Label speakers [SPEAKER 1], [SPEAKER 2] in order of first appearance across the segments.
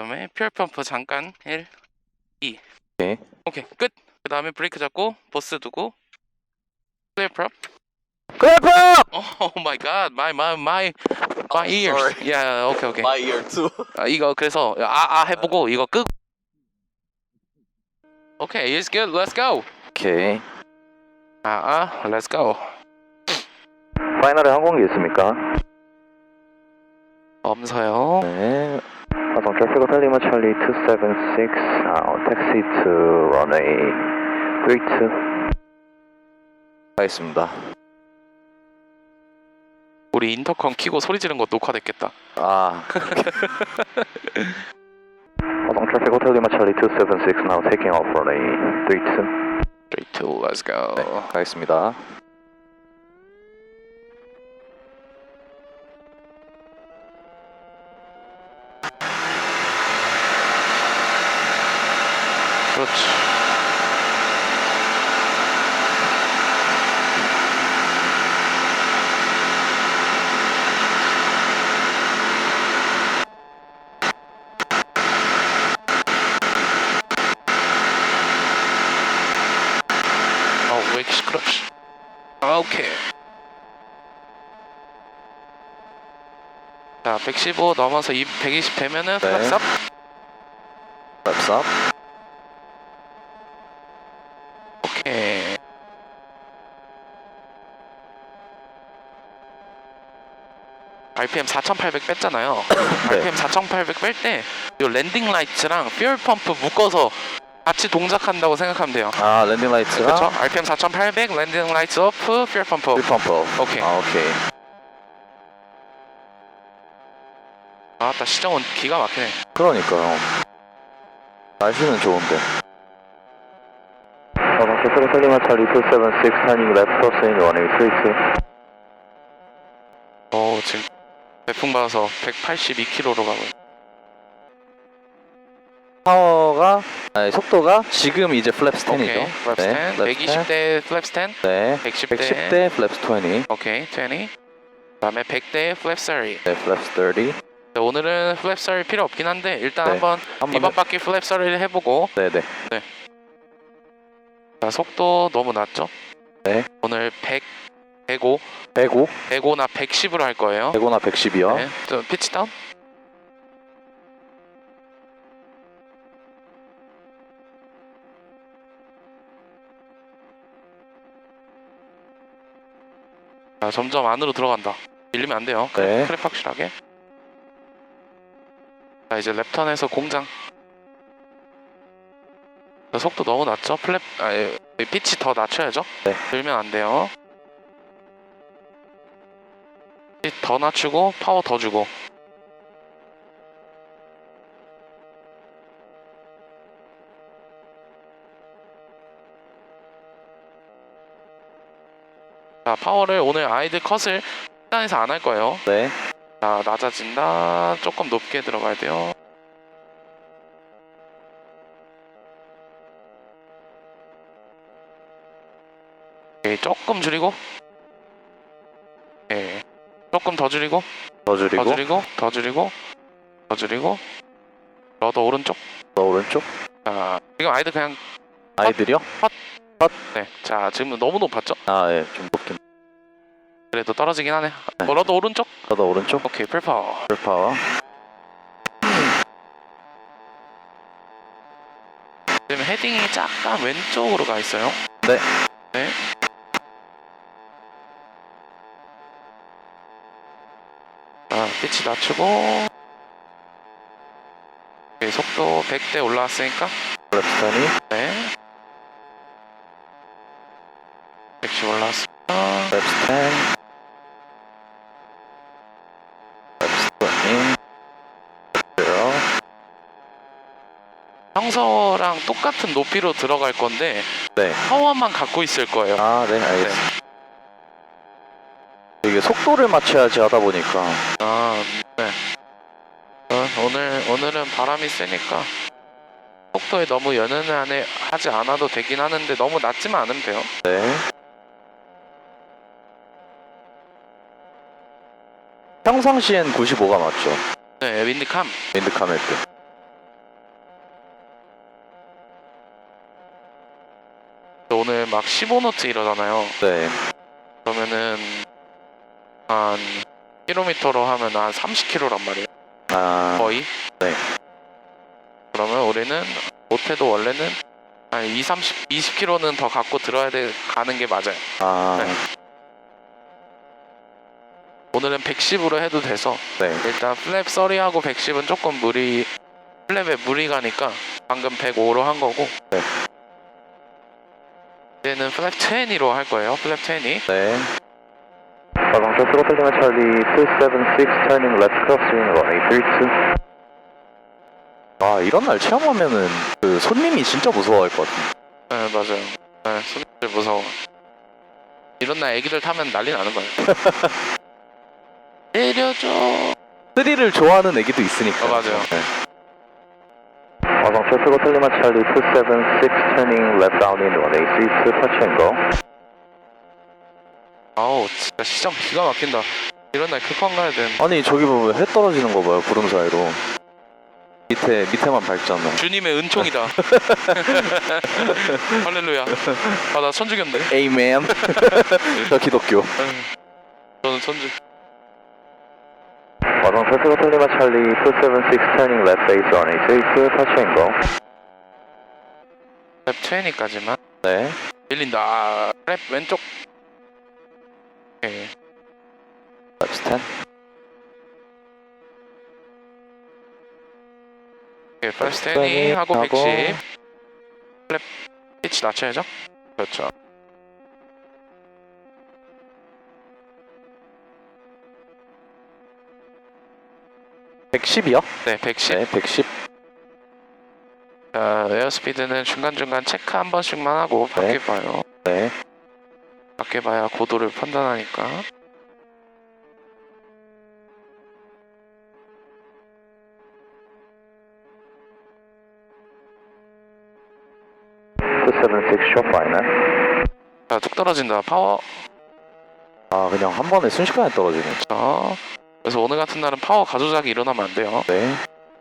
[SPEAKER 1] 그다음에 퓨얼 펌프 잠깐 1, 2.
[SPEAKER 2] 오케이.
[SPEAKER 1] 오케이 끝. 그다음에 브레이크 잡고 버스 두고 클리어 프롭.
[SPEAKER 2] 클래프!
[SPEAKER 1] Oh my god, my ears.
[SPEAKER 3] sorry.
[SPEAKER 1] Yeah, okay.
[SPEAKER 3] My ear too.
[SPEAKER 1] 이거 그래서 해보고 이거 끄고. Okay, it's good. Let's go.
[SPEAKER 2] 오케이.
[SPEAKER 1] Let's go.
[SPEAKER 2] 파이널에 항공기 있습니까?
[SPEAKER 1] 없어요.
[SPEAKER 2] 네. 화성 트래픽 호텔 리마 찰리 276 택시 to runway 32 가겠습니다.
[SPEAKER 1] 우리 인터컴 키고 소리 지른 거 녹화됐겠다.
[SPEAKER 2] 화성 트래픽 호텔 리마 찰리 276 now taking off runway 32
[SPEAKER 1] 3, 2, let's go.
[SPEAKER 2] 네, 가겠습니다.
[SPEAKER 1] 그렇지. 왜 이렇게 시끄럽지? 오케이. 자, 115 넘어서 120 되면은
[SPEAKER 2] 네.
[SPEAKER 1] 플랩
[SPEAKER 2] Flaps up.
[SPEAKER 1] 오케이. RPM 4,800 뺐잖아요.
[SPEAKER 2] 네.
[SPEAKER 1] RPM 4,800 뺄 때 요 랜딩 라이트랑 퓨얼 펌프 묶어서 같이 동작한다고 생각하면 돼요.
[SPEAKER 2] 랜딩 라이트랑
[SPEAKER 1] 그렇죠? RPM 4,800 랜딩 라이트 오프 퓨얼 펌프.
[SPEAKER 2] 퓨얼 펌프.
[SPEAKER 1] 오케이.
[SPEAKER 2] 오케이.
[SPEAKER 1] 아따 시정은 기가 막히네.
[SPEAKER 2] 그러니까요. 날씨는 좋은데. 화성 트래픽 호텔 리마 찰리 276 turning left crossing runway 32
[SPEAKER 1] 지금 배풍 받아서 182km로 가고 있네.
[SPEAKER 2] 속도가 지금 이제 플랩스 10이죠.
[SPEAKER 1] 오케이. 플랩스 10. 120대 플랩스 10.
[SPEAKER 2] 네.
[SPEAKER 1] 110대
[SPEAKER 2] 110대 플랩스 20.
[SPEAKER 1] 오케이. 20. 그다음에 100대 플랩 30.
[SPEAKER 2] 네, 플랩스 30.
[SPEAKER 1] 자, 오늘은 플랩 30 필요 없긴 한데 일단
[SPEAKER 2] 네.
[SPEAKER 1] 한번 이번 바퀴 플랩 30를 해보고.
[SPEAKER 2] 네네.
[SPEAKER 1] 자, 속도 너무 낮죠?
[SPEAKER 2] 네.
[SPEAKER 1] 오늘 105,
[SPEAKER 2] 105?
[SPEAKER 1] 105나 110으로 할 거예요.
[SPEAKER 2] 105나 110이요.
[SPEAKER 1] 네. 좀 피치 다운. 자, 점점 안으로 들어간다. 밀리면 안 돼요.
[SPEAKER 2] 네.
[SPEAKER 1] 크랩 확실하게. 자, 이제 랩턴에서 공장. 자, 속도 너무 낮죠? 피치 더 낮춰야죠?
[SPEAKER 2] 네.
[SPEAKER 1] 들면 안 돼요. 더 낮추고 파워 더 주고. 자, 파워를 오늘 아이들 컷을 식단에서 안 할 거예요.
[SPEAKER 2] 네.
[SPEAKER 1] 자, 낮아진다. 조금 높게 들어가야 돼요. 오케이, 조금 줄이고. 오케이. 조금 더 줄이고.
[SPEAKER 2] 더 줄이고.
[SPEAKER 1] 더 줄이고. 더 줄이고. 더 줄이고. 러더 오른쪽.
[SPEAKER 2] 더 오른쪽.
[SPEAKER 1] 자, 지금 아이들 그냥
[SPEAKER 2] 아이들이요?
[SPEAKER 1] 네. 자, 지금 너무 높았죠?
[SPEAKER 2] 예, 좀 높긴.
[SPEAKER 1] 그래도 떨어지긴 하네.
[SPEAKER 2] 네.
[SPEAKER 1] 러더 오른쪽.
[SPEAKER 2] 더 오른쪽.
[SPEAKER 1] 오케이, 풀파워.
[SPEAKER 2] 풀파워.
[SPEAKER 1] 지금 헤딩이 약간 왼쪽으로 가 있어요.
[SPEAKER 2] 네.
[SPEAKER 1] 네. 자, 피치 낮추고. 오케이, 속도 100대 올라왔으니까.
[SPEAKER 2] 플랩스 20.
[SPEAKER 1] 네. 110 올라왔습니다.
[SPEAKER 2] 플랩스 10. 플랩스 20.
[SPEAKER 1] 평소랑 똑같은 높이로 들어갈 건데
[SPEAKER 2] 네.
[SPEAKER 1] 파워만 갖고 있을 거예요.
[SPEAKER 2] 네, 알겠습니다. 이게 속도를 맞춰야지 하다 보니까.
[SPEAKER 1] 네. 오늘은 바람이 세니까 속도에 너무 연연을 하지 않아도 되긴 하는데 너무 낮지만 않으면 돼요.
[SPEAKER 2] 네. 평상시엔 95가 맞죠?
[SPEAKER 1] 네, 윈드캄.
[SPEAKER 2] 윈드카멜 때.
[SPEAKER 1] 막 15노트 이러잖아요.
[SPEAKER 2] 네.
[SPEAKER 1] 그러면은 한 킬로미터로 하면 한 30km란 말이에요.
[SPEAKER 2] 아,
[SPEAKER 1] 거의.
[SPEAKER 2] 네.
[SPEAKER 1] 그러면 우리는 못해도 원래는 한 20km는 더 갖고 가는 게 맞아요.
[SPEAKER 2] 아,
[SPEAKER 1] 네. 오늘은 110으로 해도 돼서
[SPEAKER 2] 네.
[SPEAKER 1] 일단 플랩 30하고 110은 조금 플랩에 무리 가니까 방금 105로 한 거고
[SPEAKER 2] 네.
[SPEAKER 1] 이제는 플랩 20로 할 거예요. 플랩 20.
[SPEAKER 2] 네. 방차 스로틀 리마 찰리 276 turning left crosswind runway 32. 아, 이런 날 체험하면은 그 손님이 진짜 무서워할 것 같은데.
[SPEAKER 1] 네, 맞아요. 네, 손님들 무서워. 이런 날 애기들 타면 난리 나는 거예요. 내려줘.
[SPEAKER 2] 스릴을 좋아하는 애기도 있으니까.
[SPEAKER 1] 맞아요.
[SPEAKER 2] 네. 방차 스로틀 리마 찰리 276 turning left downwind runway 32 touch and go.
[SPEAKER 1] 아우 진짜 시장 기가 막힌다. 이런 날 급한 가야 되는.
[SPEAKER 2] 아니, 저기 보면 해 떨어지는 거 봐요, 구름 사이로. 밑에만 밝잖아.
[SPEAKER 1] 주님의 은총이다. 할렐루야. 아 나 천주교인데.
[SPEAKER 2] 에이맨. 저 기독교.
[SPEAKER 1] 저는 천주.
[SPEAKER 2] 와동 패스로 틀리마 찰리 276 turning left base runway 32 touch and go.
[SPEAKER 1] 랩 20까지만.
[SPEAKER 2] 네.
[SPEAKER 1] 밀린다. 랩 왼쪽. 오케이.
[SPEAKER 2] left 10.
[SPEAKER 1] 오케이. 플래시 10 하고 110. 랩 피치 낮춰야죠. 그렇죠.
[SPEAKER 2] 110이요?
[SPEAKER 1] 네, 110.
[SPEAKER 2] 네, 110.
[SPEAKER 1] 자, 에어스피드는 중간중간 체크 한 번씩만 하고 밖에
[SPEAKER 2] 네.
[SPEAKER 1] 봐요.
[SPEAKER 2] 네.
[SPEAKER 1] 밖에 봐야 고도를 판단하니까.
[SPEAKER 2] short final.
[SPEAKER 1] 자, 뚝 떨어진다. 파워.
[SPEAKER 2] 아, 그냥 한 번에 순식간에 떨어지네.
[SPEAKER 1] 자, 그래서 오늘 같은 날은 파워 가조작이 일어나면 안 돼요.
[SPEAKER 2] 네.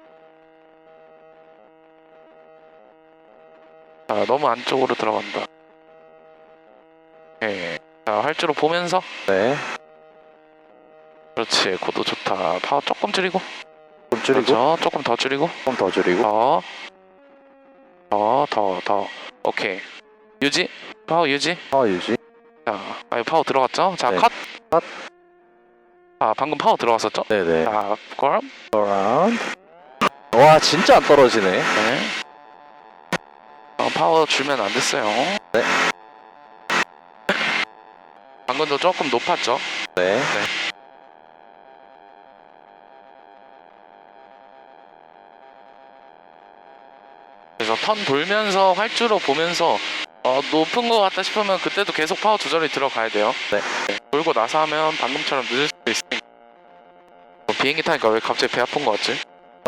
[SPEAKER 1] 자, 너무 안쪽으로 들어간다. 오케이. 자, 활주로 보면서.
[SPEAKER 2] 네.
[SPEAKER 1] 그렇지. 고도 좋다. 파워 조금 줄이고.
[SPEAKER 2] 좀 줄이고.
[SPEAKER 1] 그렇죠. 조금 더 줄이고.
[SPEAKER 2] 좀 더 줄이고.
[SPEAKER 1] 더. 오케이. 유지. 파워 유지.
[SPEAKER 2] 유지.
[SPEAKER 1] 자, 파워 들어갔죠? 자,
[SPEAKER 2] 네.
[SPEAKER 1] 컷.
[SPEAKER 2] 컷.
[SPEAKER 1] 아, 방금 파워 들어갔었죠?
[SPEAKER 2] 네네.
[SPEAKER 1] 자, 그럼.
[SPEAKER 2] around. 와, 진짜 안 떨어지네.
[SPEAKER 1] 네. 파워 주면 안 됐어요.
[SPEAKER 2] 네.
[SPEAKER 1] 방금도 조금 높았죠?
[SPEAKER 2] 네.
[SPEAKER 1] 그래서 턴 돌면서 활주로 보면서 높은 것 같다 싶으면 그때도 계속 파워 조절이 들어가야 돼요.
[SPEAKER 2] 네.
[SPEAKER 1] 돌고 나서 하면 방금처럼 늦을 수도 있으니까. 비행기 타니까 왜 갑자기 배 아픈 것 같지?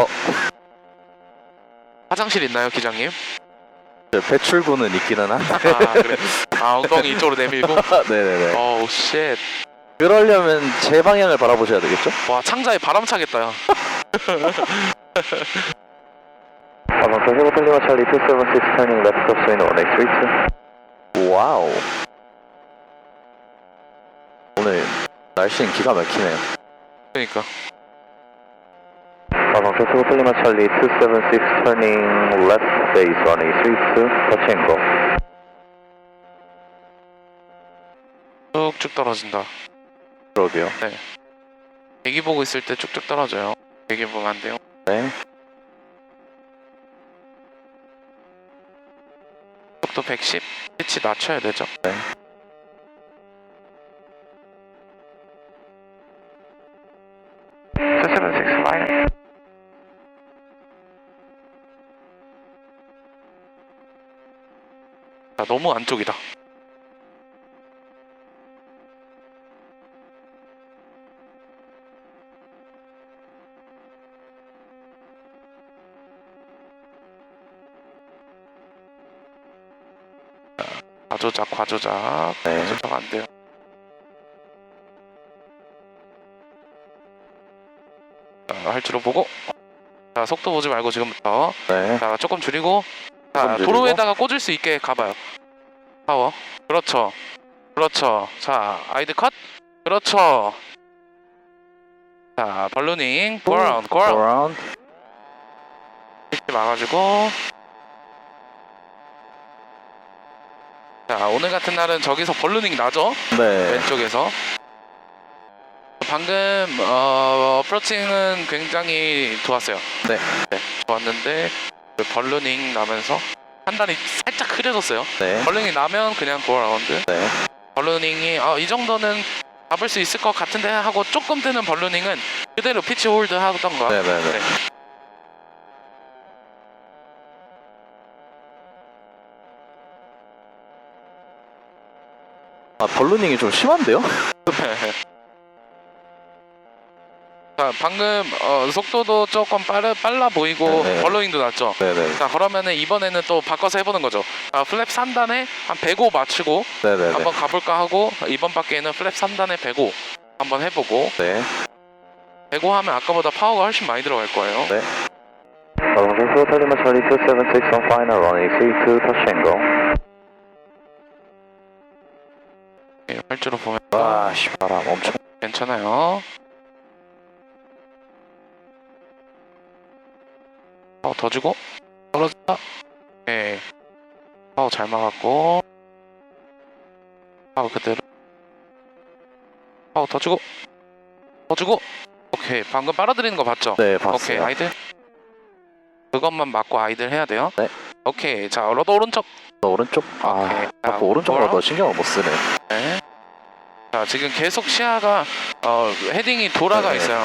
[SPEAKER 1] 화장실 있나요, 기장님?
[SPEAKER 2] 배출구는 있기는 한데.
[SPEAKER 1] 아, 그래. 아, 엉덩이 이쪽으로 내밀고.
[SPEAKER 2] 네네네.
[SPEAKER 1] 어우, 쉣.
[SPEAKER 2] 그러려면 제 방향을 바라보셔야 되겠죠?
[SPEAKER 1] 와, 창자에 바람 차겠다, 야.
[SPEAKER 2] 방차 찰리 찰리 276 turning left crosswind runway 32. 와우. 오늘 날씨는 기가 막히네요.
[SPEAKER 1] 그러니까.
[SPEAKER 2] 방차 찰리 찰리 276 turning left base runway 32 touch and go.
[SPEAKER 1] 쭉쭉 떨어진다.
[SPEAKER 2] 그러게요.
[SPEAKER 1] 대기 보고 있을 때 쭉쭉 떨어져요. 대기 보면 안 돼요.
[SPEAKER 2] 네.
[SPEAKER 1] 속도 110. 피치 낮춰야 되죠.
[SPEAKER 2] 네.
[SPEAKER 1] 자, 너무 안쪽이다. 과조작.
[SPEAKER 2] 네.
[SPEAKER 1] 과조작 안 돼요. 자, 활주로 보고. 자, 속도 보지 말고 지금부터.
[SPEAKER 2] 네.
[SPEAKER 1] 자, 조금 줄이고. 자,
[SPEAKER 2] 조금 줄이고.
[SPEAKER 1] 도로에다가 꽂을 수 있게 가봐요. 파워. 그렇죠. 그렇죠. 자, 아이드 컷. 그렇죠. 자, 발루닝. 고라운드, 고라운드.
[SPEAKER 2] around.
[SPEAKER 1] 이렇게 막아주고. 자, 오늘 같은 날은 저기서 발루닝 나죠?
[SPEAKER 2] 네.
[SPEAKER 1] 왼쪽에서. 방금 어프로칭은 굉장히 좋았어요.
[SPEAKER 2] 네.
[SPEAKER 1] 좋았는데 그 발루닝 나면서 판단이 살짝 흐려졌어요.
[SPEAKER 2] 네.
[SPEAKER 1] 발루닝 나면 그냥 고라운드.
[SPEAKER 2] 네.
[SPEAKER 1] 발루닝이 이 정도는 잡을 수 있을 것 같은데 하고 조금 뜨는 발루닝은 그대로 피치 홀드 하던가.
[SPEAKER 2] 네네네.
[SPEAKER 1] 네.
[SPEAKER 2] 아, 벌루닝이 좀 심한데요?
[SPEAKER 1] 자, 방금 속도도 조금 빨라 보이고
[SPEAKER 2] 네네.
[SPEAKER 1] 발루닝도 났죠.
[SPEAKER 2] 네네.
[SPEAKER 1] 자, 그러면은 이번에는 또 바꿔서 해보는 거죠. 플랩 3단에 한 105 맞추고
[SPEAKER 2] 네네네.
[SPEAKER 1] 한번 가볼까 하고 이번 바퀴에는 플랩 3단에 105 한번 해보고
[SPEAKER 2] 네.
[SPEAKER 1] 105 하면 아까보다 파워가 훨씬 많이 들어갈 거예요.
[SPEAKER 2] 네.
[SPEAKER 3] Alonso Lima Charlie 276 on final runway 32 touch and go.
[SPEAKER 1] 네, 활주로 보면
[SPEAKER 2] 와, 씨, 바람 엄청.
[SPEAKER 1] 괜찮아요. 파워 더 주고 떨어졌다. 오케이. 파워 잘 막았고 파워 그대로 파워 더 주고 오케이. 방금 빨아들이는 거 봤죠?
[SPEAKER 2] 네,
[SPEAKER 1] 오케이.
[SPEAKER 2] 봤어요.
[SPEAKER 1] 아이들 그것만 맞고 아이들 해야 돼요.
[SPEAKER 2] 네.
[SPEAKER 1] 오케이. 자, 러더 오른쪽.
[SPEAKER 2] 오른쪽. 아,
[SPEAKER 1] 오케이.
[SPEAKER 2] 자꾸 오른쪽으로
[SPEAKER 1] 돌아.
[SPEAKER 2] 더 신경을 못 쓰네.
[SPEAKER 1] 네. 자, 지금 계속 시야가 헤딩이 돌아가
[SPEAKER 2] 네.
[SPEAKER 1] 있어요.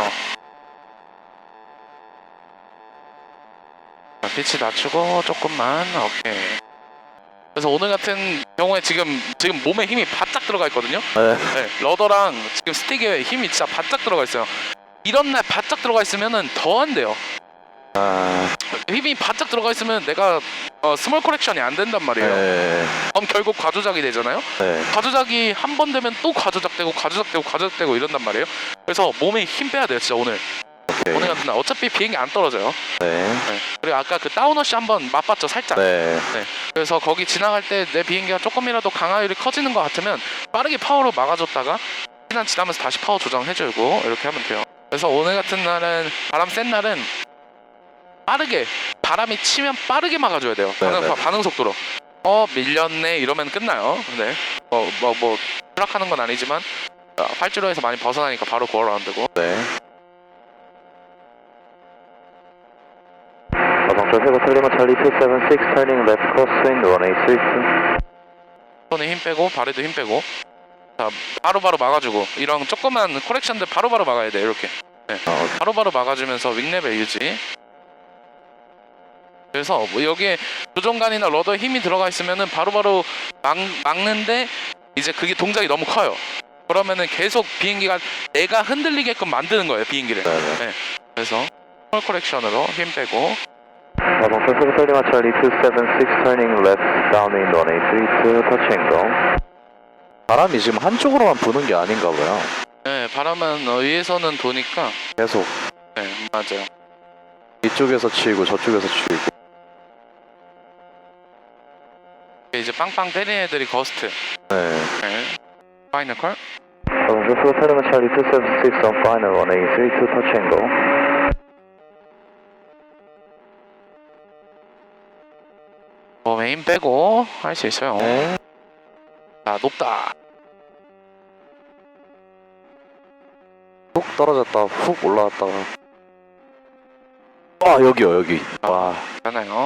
[SPEAKER 1] 자, 피치 낮추고 조금만. 오케이. 그래서 오늘 같은 경우에 지금 몸에 힘이 바짝 들어가 있거든요.
[SPEAKER 2] 네.
[SPEAKER 1] 네, 러더랑 지금 스틱에 힘이 진짜 바짝 들어가 있어요. 이런 날 바짝 들어가 있으면은 더 안 돼요.
[SPEAKER 2] 아,
[SPEAKER 1] 힘이 바짝 들어가 있으면 내가 스몰 커렉션이 안 된단 말이에요.
[SPEAKER 2] 네.
[SPEAKER 1] 그럼 결국 과조작이 되잖아요.
[SPEAKER 2] 네.
[SPEAKER 1] 과조작이 한 번 되면 또 과조작되고 이런단 말이에요. 그래서 몸에 힘 빼야 돼요, 진짜 오늘.
[SPEAKER 2] 오케이.
[SPEAKER 1] 오늘 같은 날 어차피 비행기 안 떨어져요.
[SPEAKER 2] 네.
[SPEAKER 1] 네. 그리고 아까 그 다운워시 한번 맛봤죠, 살짝.
[SPEAKER 2] 네.
[SPEAKER 1] 그래서 거기 지나갈 때 내 비행기가 조금이라도 강하율이 커지는 것 같으면 빠르게 파워로 막아줬다가 시간 지나면서 다시 파워 조정해주고 이렇게 하면 돼요. 그래서 오늘 같은 날은 바람 센 날은 빠르게 바람이 치면 빠르게 막아줘야 돼요.
[SPEAKER 2] 네.
[SPEAKER 1] 반응 속도로. 밀렸네 이러면 끝나요. 네. 추락하는 건 아니지만 활주로에서 많이 벗어나니까 바로 고어라운드고.
[SPEAKER 2] 네.
[SPEAKER 3] Alonso Lima Charlie 276 turning left crosswind runway 32.
[SPEAKER 1] 손에 힘 빼고 발에도 힘 빼고. 자, 바로바로 막아주고 이런 조그만 코렉션들 바로바로 막아야 돼. 이렇게. 네. 바로바로 막아주면서 윙레벨 유지. 그래서 뭐 여기에 조종간이나 러더에 힘이 들어가 있으면은 바로바로 막는데 이제 그게 동작이 너무 커요. 그러면은 계속 비행기가 내가 흔들리게끔 만드는 거예요, 비행기를.
[SPEAKER 2] 네.
[SPEAKER 1] 그래서 스몰 코렉션으로 힘 빼고.
[SPEAKER 3] Alonso Lima Charlie 276 turning left downwind runway 32 touch and go.
[SPEAKER 2] 바람이 지금 한쪽으로만 부는 게 아닌가 봐요.
[SPEAKER 1] 네, 바람은 위에서는 도니까.
[SPEAKER 2] 계속
[SPEAKER 1] 네, 맞아요.
[SPEAKER 2] 이쪽에서 치고 저쪽에서 치고.
[SPEAKER 1] 이제 빵빵 때리는 애들이 거스트.
[SPEAKER 2] 네.
[SPEAKER 1] 네. 파이널 컬.
[SPEAKER 3] Alonso Lima Charlie 276 on final runway 32 touch and go.
[SPEAKER 1] 몸에 힘 빼고 할 수 있어요.
[SPEAKER 2] 네.
[SPEAKER 1] 자, 높다.
[SPEAKER 2] 훅 떨어졌다. 훅 올라왔다가. 아, 여기요, 여기. 와.
[SPEAKER 1] 괜찮아요.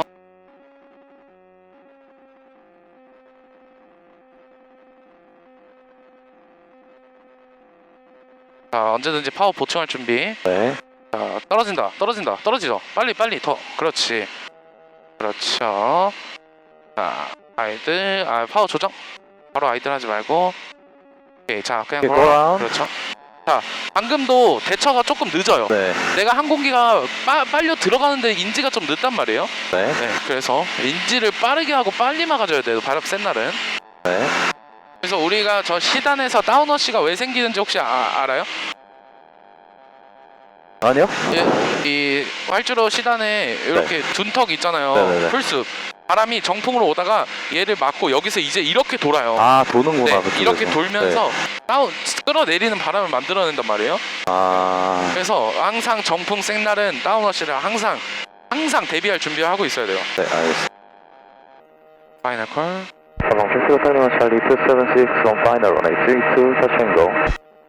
[SPEAKER 1] 자, 언제든지 파워 보충할 준비.
[SPEAKER 2] 네.
[SPEAKER 1] 자, 떨어지죠. 빨리 더. 그렇지. 그렇죠. 자, 아이들, 파워 조정. 바로 아이들 하지 말고. 오케이, 자, 그냥
[SPEAKER 2] 오케이,
[SPEAKER 1] 걸어.
[SPEAKER 2] 걸어.
[SPEAKER 1] 그렇죠. 자, 방금도 대처가 조금 늦어요.
[SPEAKER 2] 네.
[SPEAKER 1] 내가 항공기가 빨려 들어가는데 인지가 좀 늦단 말이에요.
[SPEAKER 2] 네.
[SPEAKER 1] 네, 그래서 인지를 빠르게 하고 빨리 막아줘야 돼요. 바람 센 날은.
[SPEAKER 2] 네.
[SPEAKER 1] 그래서 우리가 저 시단에서 다운워시가 왜 생기는지 혹시 알아요?
[SPEAKER 2] 아니요?
[SPEAKER 1] 이 활주로 시단에 이렇게 둔턱 있잖아요.
[SPEAKER 2] 네네네.
[SPEAKER 1] 풀숲. 바람이 정풍으로 오다가 얘를 막고 여기서 이제 이렇게 돌아요.
[SPEAKER 2] 아 도는구나.
[SPEAKER 1] 네,
[SPEAKER 2] 그쪽에서.
[SPEAKER 1] 이렇게 돌면서
[SPEAKER 2] 네.
[SPEAKER 1] 다운 끌어내리는 바람을 만들어낸단 말이에요.
[SPEAKER 2] 아
[SPEAKER 1] 그래서 항상 정풍 센 날은 다운워시를 항상 대비할 준비를 하고 있어야 돼요.
[SPEAKER 2] 네 알겠습니다.
[SPEAKER 1] 파이널 콜.
[SPEAKER 3] Along Pacific Lima Charlie 276 on final runway 32, touch and go.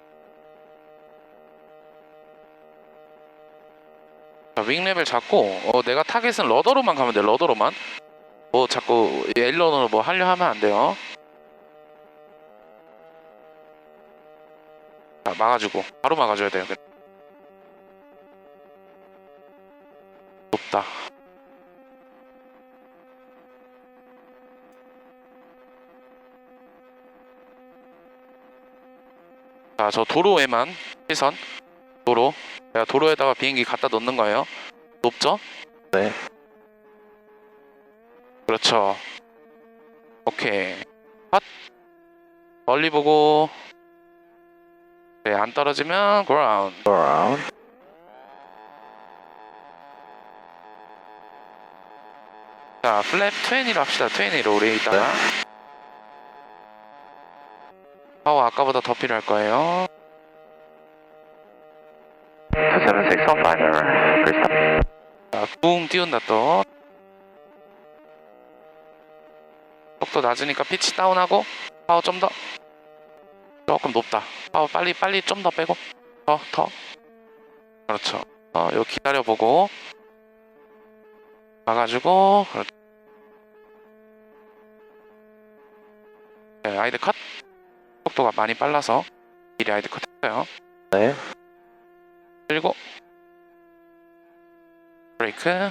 [SPEAKER 1] 자, 윙랩을 잡고 내가 타겟은 러더로만 가면 돼. 러더로만. 뭐 자꾸 에일런으로 뭐 하려 하면 안 돼요. 자, 막아주고 바로 막아줘야 돼요. 높다. 자, 저 도로에만 시선. 도로. 내가 도로에다가 비행기 갖다 놓는 거예요. 높죠?
[SPEAKER 2] 네.
[SPEAKER 1] 그렇죠. 오케이. 핫. 멀리 보고. 네, 안 떨어지면 그라운드.
[SPEAKER 2] around.
[SPEAKER 1] 자, 플랩 20로 합시다. 20로 우리 이따가. 파워 아까보다 더 필요할 거예요.
[SPEAKER 3] 276 on final, Krista.
[SPEAKER 1] 자, 붕 띄운다 또. 속도 낮으니까 피치 다운하고 파워 좀 더. 조금 높다. 파워 빨리 좀 더 빼고. 더. 그렇죠. 요 기다려보고. 가가지고. 그렇죠. 네, 아이드 컷. 속도가 많이 빨라서 미리 아이드 컷 했어요.
[SPEAKER 2] 네.
[SPEAKER 1] 그리고 브레이크.